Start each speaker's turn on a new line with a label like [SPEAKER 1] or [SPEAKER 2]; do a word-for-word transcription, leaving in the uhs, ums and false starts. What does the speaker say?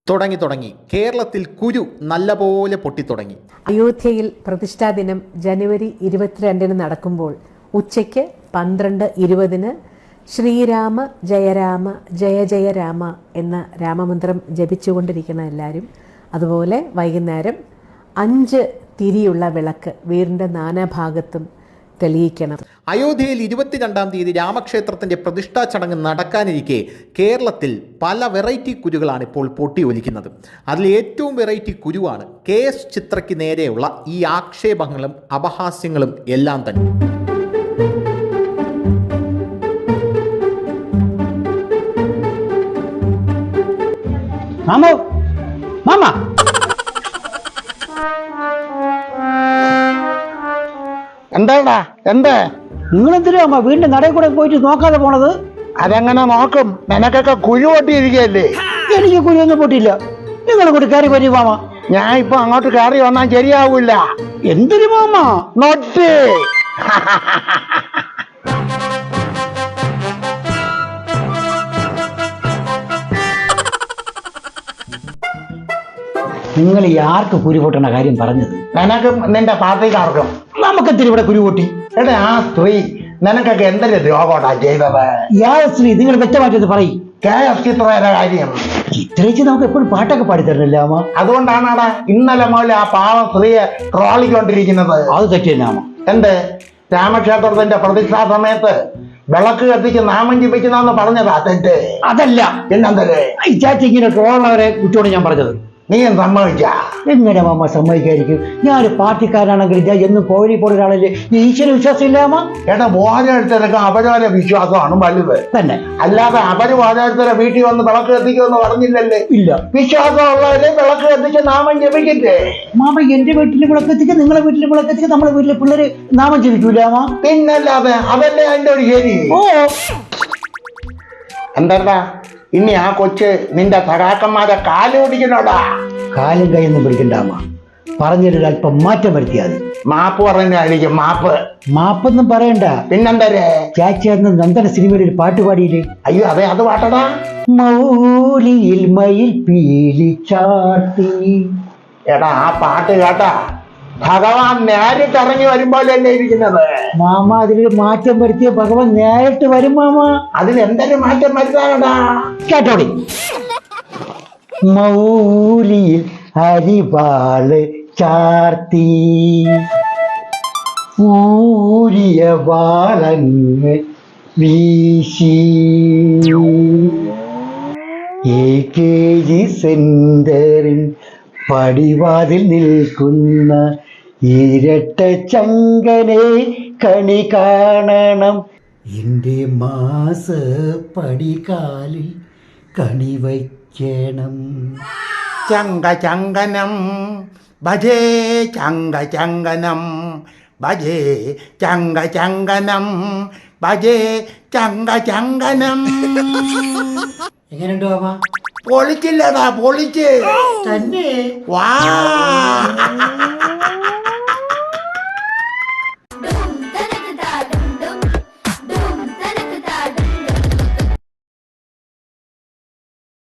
[SPEAKER 1] തുടങ്ങി തുടങ്ങി കേരളത്തിൽ കുരു നല്ലപോലെ പൊട്ടിത്തുടങ്ങി.
[SPEAKER 2] അയോധ്യയിൽ പ്രതിഷ്ഠാ ദിനം ജനുവരി ഇരുപത്തിരണ്ടിന് നടക്കുമ്പോൾ ഉച്ചയ്ക്ക് പന്ത്രണ്ട് ഇരുപതിന് ശ്രീരാമ ജയരാമ ജയ ജയ രാമ എന്ന രാമമന്ത്രം ജപിച്ചുകൊണ്ടിരിക്കുന്ന എല്ലാവരും, അതുപോലെ വൈകുന്നേരം അഞ്ച് തിരിയുള്ള വിളക്ക് വീടിൻ്റെ നാനാഭാഗത്തും തെളിയിക്കണം.
[SPEAKER 1] അയോധ്യയിൽ ഇരുപത്തിരണ്ടാം തീയതി രാമക്ഷേത്രത്തിന്റെ പ്രതിഷ്ഠാ ചടങ്ങ് നടക്കാനിരിക്കെ കേരളത്തിൽ പല വെറൈറ്റി കുരുകളാണ് ഇപ്പോൾ പൊട്ടി ഒലിക്കുന്നത്. അതിൽ ഏറ്റവും വെറൈറ്റി കുരുവാണ് കെ എസ് ചിത്രയ്ക്ക് നേരെയുള്ള ഈ ആക്ഷേപങ്ങളും അപഹാസ്യങ്ങളും എല്ലാം തന്നെ.
[SPEAKER 3] മാമോ മാമ
[SPEAKER 4] എന്താടാ എന്താ
[SPEAKER 3] നിങ്ങളെന്തിനാ അമ്മ വീണ്ടും നടയിൽ കൂടെ പോയിട്ട് നോക്കാതെ പോണത്?
[SPEAKER 4] അതെങ്ങനെ നോക്കും? നിനക്കൊക്കെ കുഴി പൊട്ടിയിരിക്കല്ലേ.
[SPEAKER 3] എനിക്ക് കുഴിയൊന്നും പൊട്ടിയില്ല. നിങ്ങൾ കൂടി കയറി വരും മാമ.
[SPEAKER 4] ഞാൻ ഇപ്പൊ അങ്ങോട്ട് കയറി വന്നാൽ ശരിയാവൂല.
[SPEAKER 3] എന്തിനു മാമ?
[SPEAKER 4] നോട്ട്
[SPEAKER 3] നിങ്ങൾ ഈ ആർക്ക് കുരു പൊട്ടണ കാര്യം പറഞ്ഞത്?
[SPEAKER 4] നിനക്കും നിന്റെ പാർട്ടിക്കാർക്കും.
[SPEAKER 3] നമുക്കെത്തിരി ഇവിടെ കുരു പൊട്ടി.
[SPEAKER 4] എടാ ആ സ്ത്രീ നിനക്കൊക്കെ എന്തൊരു ദ്രോഹോട്ടാ ചെയ്തത്?
[SPEAKER 3] യാ സ്ത്രീ, നിങ്ങൾ വ്യക്തമായിട്ടത് പറയും.
[SPEAKER 4] കെ എസ് ചിത്രയുടെ കാര്യം
[SPEAKER 3] ചിത്രയിച്ച് നമുക്ക് എപ്പോഴും പാട്ടൊക്കെ പാടിത്തരണില്ല അമ്മ.
[SPEAKER 4] അതുകൊണ്ടാണാടാ ഇന്നലെ മുതൽ ആ പാവം സ്ത്രീയെ ട്രോളിക്കൊണ്ടിരിക്കുന്നത്.
[SPEAKER 3] അത് തെറ്റില്ല അമ്മ.
[SPEAKER 4] എന്ത് രാമക്ഷേത്രത്തിന്റെ പ്രതിഷ്ഠാ സമയത്ത് വിളക്ക് കത്തിച്ച് നാമം ജപിക്കുന്നെന്ന് പറഞ്ഞതാ തെറ്റ്?
[SPEAKER 3] അതല്ല.
[SPEAKER 4] പിന്നെന്തര്
[SPEAKER 3] ഈ ചാച്ചി ഇങ്ങനെ ട്രോളുള്ളവരെ കുറ്റോട് ഞാൻ പറഞ്ഞത്?
[SPEAKER 4] നീ സമ്മതിച്ച?
[SPEAKER 3] എങ്ങനെ മാമ സമ്മതിക്കായിരിക്കും? ഞാനൊരു പാർട്ടിക്കാരാണെങ്കിൽ ഞാൻ എന്നും പോരി പോലെ ഒരാളല്ലേ. ഈശ്വര വിശ്വാസം ഇല്ല അമ്മ?
[SPEAKER 4] എടാ ഓരോരുത്തരൊക്കെ അവരവരെ വിശ്വാസമാണ് വലുത്
[SPEAKER 3] തന്നെ.
[SPEAKER 4] അല്ലാതെ അവര് ഓരോരുത്തരെ വീട്ടിൽ വന്ന് വിളക്ക് കത്തിക്കുമെന്ന് പറഞ്ഞില്ലല്ലേ?
[SPEAKER 3] ഇല്ല.
[SPEAKER 4] വിശ്വാസമുള്ളവരെ വിളക്ക് കത്തിച്ച് നാമം ജപിക്കട്ടെ.
[SPEAKER 3] മാമ എന്റെ വീട്ടിൽ വിളക്ക് എത്തിക്കുക, നിങ്ങളെ വീട്ടിൽ വിളക്ക് എത്തിക്കുക, നമ്മളെ വീട്ടിലെ പിള്ളേര് നാമം ജപിക്കൂല അമ്മ?
[SPEAKER 4] പിന്നല്ലാതെ അതല്ലേ അതിന്റെ ഒരു ശരി.
[SPEAKER 3] ഓ
[SPEAKER 4] എന്താ ഇനി ആ കൊച്ച് നിന്റെ സഖാക്കന്മാരെ കാല് പിടിക്കണോടാ?
[SPEAKER 3] കാലും കൈയൊന്നും പിടിക്കണ്ട അമ്മ. പറഞ്ഞൊരു അല്പം മാറ്റം വരുത്തിയാൽ മതി.
[SPEAKER 4] മാപ്പ് പറഞ്ഞായിരിക്കും മാപ്പ്.
[SPEAKER 3] മാപ്പൊന്നും പറയണ്ട.
[SPEAKER 4] പിന്നെന്തരേ?
[SPEAKER 3] ചാച്ചി അന്ന് നന്ദന സിനിമയിൽ ഒരു പാട്ട് പാടിയില്ലേ?
[SPEAKER 4] അയ്യോ അതെ, അത് പാട്ടടാ.
[SPEAKER 3] മൗലിയിൽ മയിൽ പീലി ചാർത്തി.
[SPEAKER 4] എടാ ആ പാട്ട് കേട്ടാ ഭഗവാൻ നേരിട്ട് ഇറങ്ങി വരുമ്പോഴല്ലേ ഇരിക്കുന്നത്.
[SPEAKER 3] മാമ അതിലൊരു മാറ്റം വരുത്തിയ ഭഗവാൻ നേരിട്ട് വരും മാമ.
[SPEAKER 4] അതിൽ എന്തൊരു മാറ്റം വരുത്താനടാ?
[SPEAKER 3] കേട്ടോടി. മൗലിയിൽ അരിവാള് ചാർത്തി ഊരിയ വാളങ്ങ് വീശി എ കെ ജി സെന്ററിൽ പടിവാതിൽ നിൽക്കുന്ന ഇരട്ട ചങ്കനെ കണി കാണണം. എൻ്റെ മാസ പടികാലിൽ കണി വയ്ക്കണം.
[SPEAKER 4] ചങ്ക ചങ്കനം ഭജേ ചങ്ക ചങ്കനം ഭജേ ചങ്ക ചങ്കനം ഭജേ ചങ്ക ചങ്കനം.
[SPEAKER 3] എങ്ങനെയുണ്ടോ അമ്മ?
[SPEAKER 4] പൊളിച്ചില്ലടാ, പൊളിച്ച്
[SPEAKER 3] തന്നെ.
[SPEAKER 4] വാ.